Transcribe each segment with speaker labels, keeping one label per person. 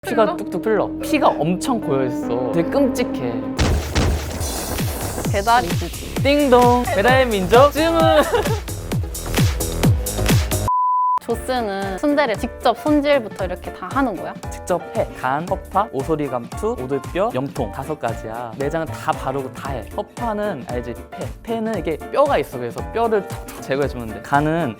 Speaker 1: 피가 뚝뚝 흘러. 피가 엄청 고여있어. 되게 끔찍해.
Speaker 2: 배달 이주지.
Speaker 1: 띵동. 배달의 민족 주문.
Speaker 2: 조스는 순대를 직접 손질부터 이렇게 다 하는 거야?
Speaker 1: 직접 해. 간, 허파, 오소리 감투, 오돌뼈, 염통 5가지야. 내장은 다 바르고 다 해. 허파는 알지? 폐. 폐는 이게 뼈가 있어. 그래서 뼈를 톡톡 제거해주면 돼. 간은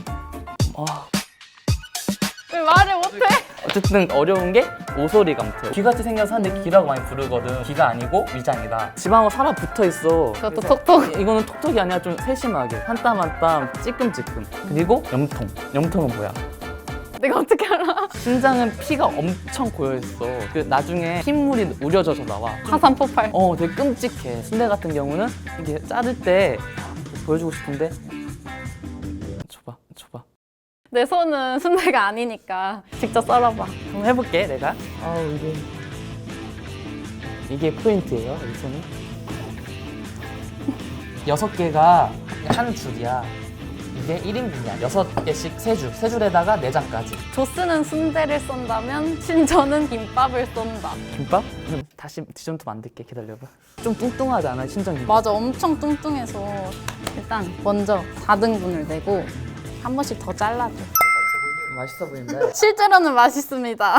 Speaker 2: 왜 말을 못해?
Speaker 1: 어쨌든 어려운 게 오소리 감투. 귀같이 생겨서 하는데 귀라고 많이 부르거든. 귀가 아니고 위장이다. 집하고 살아 붙어 있어.
Speaker 2: 그것도
Speaker 1: 그래서
Speaker 2: 톡톡.
Speaker 1: 이거는 톡톡이 아니라 좀 세심하게 한 땀 한 땀 찌끔찌끔. 그리고 염통. 염통은 뭐야?
Speaker 2: 내가 어떻게 알아?
Speaker 1: 신장은 피가 엄청 고여있어. 그 나중에 핏물이 우려져서 나와.
Speaker 2: 화산 폭발.
Speaker 1: 되게 끔찍해. 순대 같은 경우는 이게 자를 때 보여주고 싶은데 줘봐.
Speaker 2: 내 손은 순대가 아니니까 직접 썰어봐.
Speaker 1: 한번 해볼게 내가. 이게 포인트예요. 이 손이 6개가 한 줄이야. 이게 1인분이야. 6개씩 3줄. 3줄에다가 내장까지.
Speaker 2: 조스는 순대를 썬다면 신전은 김밥을 쏜다.
Speaker 1: 김밥? 다시 디저트 만들게. 기다려봐. 좀 뚱뚱하지 않아? 신전 김밥.
Speaker 2: 맞아, 엄청 뚱뚱해서 일단 먼저 4등분을 내고 한 번씩 더 잘라줘.
Speaker 1: 맛있어 보인다.
Speaker 2: 실제로는 맛있습니다.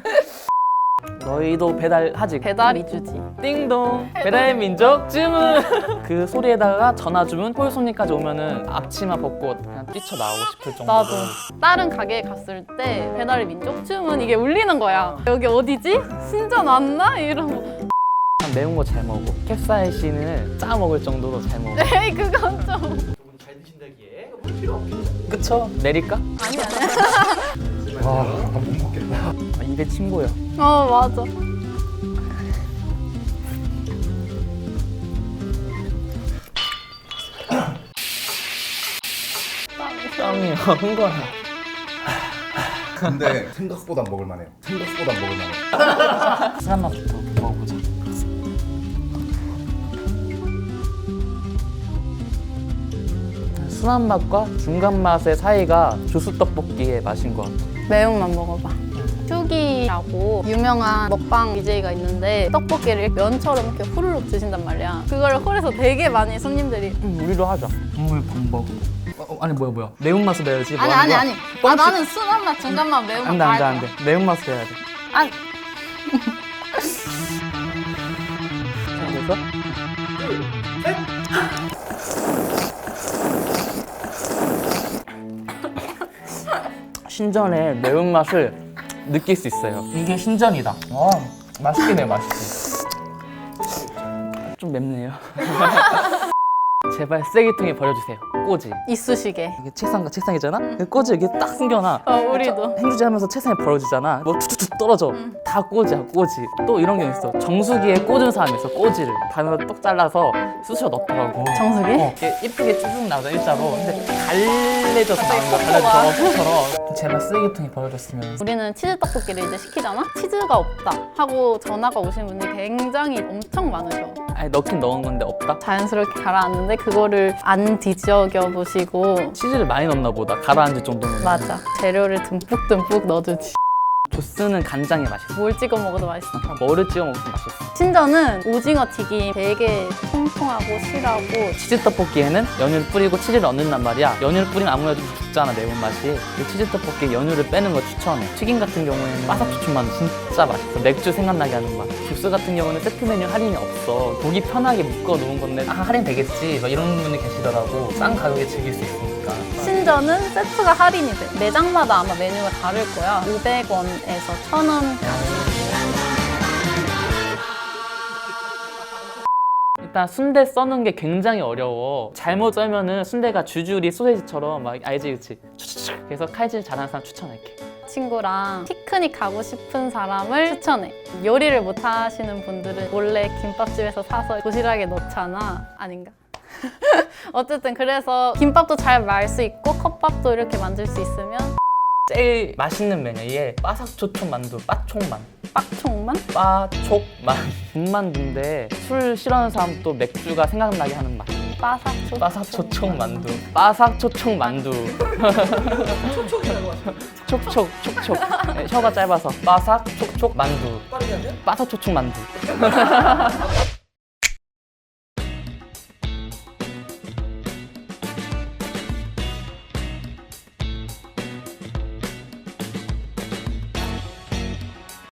Speaker 1: 너희도 배달하지?
Speaker 2: 배달 이주지.
Speaker 1: 띵동. 배달의 민족 주문. 그 소리에다가 전화 주문. 홀 손님까지 오면은 앞치마 벗고 그냥 뛰쳐나오고 싶을 정도로.
Speaker 2: 나도 다른 가게에 갔을 때 배달의 민족 주문 이게 울리는 거야. 여기 어디지? 신전 왔나? 이러고.
Speaker 1: 매운 거 잘 먹어. 캡사이신을 짜 먹을 정도로 잘 먹어.
Speaker 2: 에이 그건 좀.
Speaker 3: 잘 드신다기에 물 필요 없겠죠?
Speaker 1: 그쵸? 내릴까?
Speaker 2: 아니.
Speaker 3: 못 먹겠다.
Speaker 1: 입에 침 고여.
Speaker 2: 맞아.
Speaker 1: 땀이 흥건해.
Speaker 3: 근데 생각보다 먹을만해요. 생각보다 먹을만해요.
Speaker 1: 술 한 맛부터 먹어보자. 순한 맛과 중간 맛의 사이가 주스 떡볶이의 맛인 것 같아.
Speaker 2: 매운맛 먹어봐. 슈기라고 유명한 먹방 BJ가 있는데 떡볶이를 면처럼 이렇게 후루룩 드신단 말이야. 그걸 홀에서 되게 많이 손님들이
Speaker 1: 우리도 하자. 국물 방법. 아니 뭐야? 매운맛을 내야지. 뭐
Speaker 2: 아니.
Speaker 1: 하는 거야?
Speaker 2: 아 나는 순한 맛, 중간 맛, 매운맛
Speaker 1: 안 돼.
Speaker 2: 다 할 거야.
Speaker 1: 매운맛을 해야 돼.
Speaker 2: 아니
Speaker 1: 됐어? 신전의 매운맛을 느낄 수 있어요. 이게 신전이다. 맛있긴 해, 맛있어. 좀 맵네요. 제발 쓰레기통에 버려주세요. 꼬지.
Speaker 2: 이쑤시개.
Speaker 1: 이게 책상이잖아? 그 꼬지 여기 딱 숨겨놔.
Speaker 2: 우리도.
Speaker 1: 행주지 하면서 책상에 버려지잖아. 뭐 툭툭툭 떨어져. 다 꼬지야, 꼬지. 또 이런 게 있어. 정수기에 꽂은 사람이 있어, 꼬지를. 반으로 똑 잘라서 쑤셔 넣더라고.
Speaker 2: 정수기?
Speaker 1: 이렇게 이쁘게 쭉쭉 나오잖아, 일자로. 근데 갈래져서 나오는 거야, 갈래져서. 것처럼. 제발 쓰레기통에 버려졌으면.
Speaker 2: 우리는 치즈 떡볶이를 이제 시키잖아? 치즈가 없다 하고 전화가 오신 분들이 굉장히 엄청 많으셔.
Speaker 1: 아니, 넣긴 넣은 건데 없다?
Speaker 2: 자연스럽게 가라앉는데 그거를 안 뒤적여 보시고.
Speaker 1: 치즈를 많이 넣나 보다, 가라앉을 정도면.
Speaker 2: 맞아. 재료를 듬뿍듬뿍 넣어주지.
Speaker 1: 조스는 간장이 맛있어.
Speaker 2: 뭘 찍어 먹어도 맛있어.
Speaker 1: 뭐를 찍어 먹으면 맛있어.
Speaker 2: 신전은 오징어 튀김 되게 통통하고 실하고.
Speaker 1: 치즈 떡볶이에는 연유를 뿌리고 치즈를 넣는단 말이야. 연유를 뿌리면 아무래도 죽잖아, 매운맛이. 이 치즈 떡볶이에 연유를 빼는 거 추천해. 튀김 같은 경우에는 바삭초초만 진짜 맛있어. 맥주 생각나게 하는 맛. 주스 같은 경우는 세트 메뉴 할인이 없어. 고기 편하게 묶어 놓은 건데 할인 되겠지 막 이런 분이 계시더라고. 싼 가격에 즐길 수 있으니까.
Speaker 2: 신전은 세트가 할인이 돼. 매장마다 아마 메뉴가 다를 거야. 500원에서 1,000원까지.
Speaker 1: 일단 순대 써는 게 굉장히 어려워. 잘못 썰면은 순대가 주줄이 소세지처럼 막 알지, 그치? 추추추. 그래서 칼질 잘하는 사람 추천할게.
Speaker 2: 친구랑 피크닉 가고 싶은 사람을 추천해. 요리를 못 하시는 분들은 몰래 김밥집에서 사서 도시락에 넣잖아. 아닌가? 어쨌든 그래서 김밥도 잘 말 수 있고 컵밥도 이렇게 만들 수 있으면.
Speaker 1: 제일 맛있는 메뉴, 이게 바삭초촌 만두, 빠총만.
Speaker 2: 빡총만?
Speaker 1: 빠촉만. 군만두인데 술 싫어하는 사람 또 맥주가 생각나게 하는 맛. 바삭초총 만두. 바삭초총 만두. 촉촉. 촉촉. 네, 혀가 짧아서 바삭초총 바사촉 만두.
Speaker 3: 빠르게 하면?
Speaker 1: 바사초축 만두.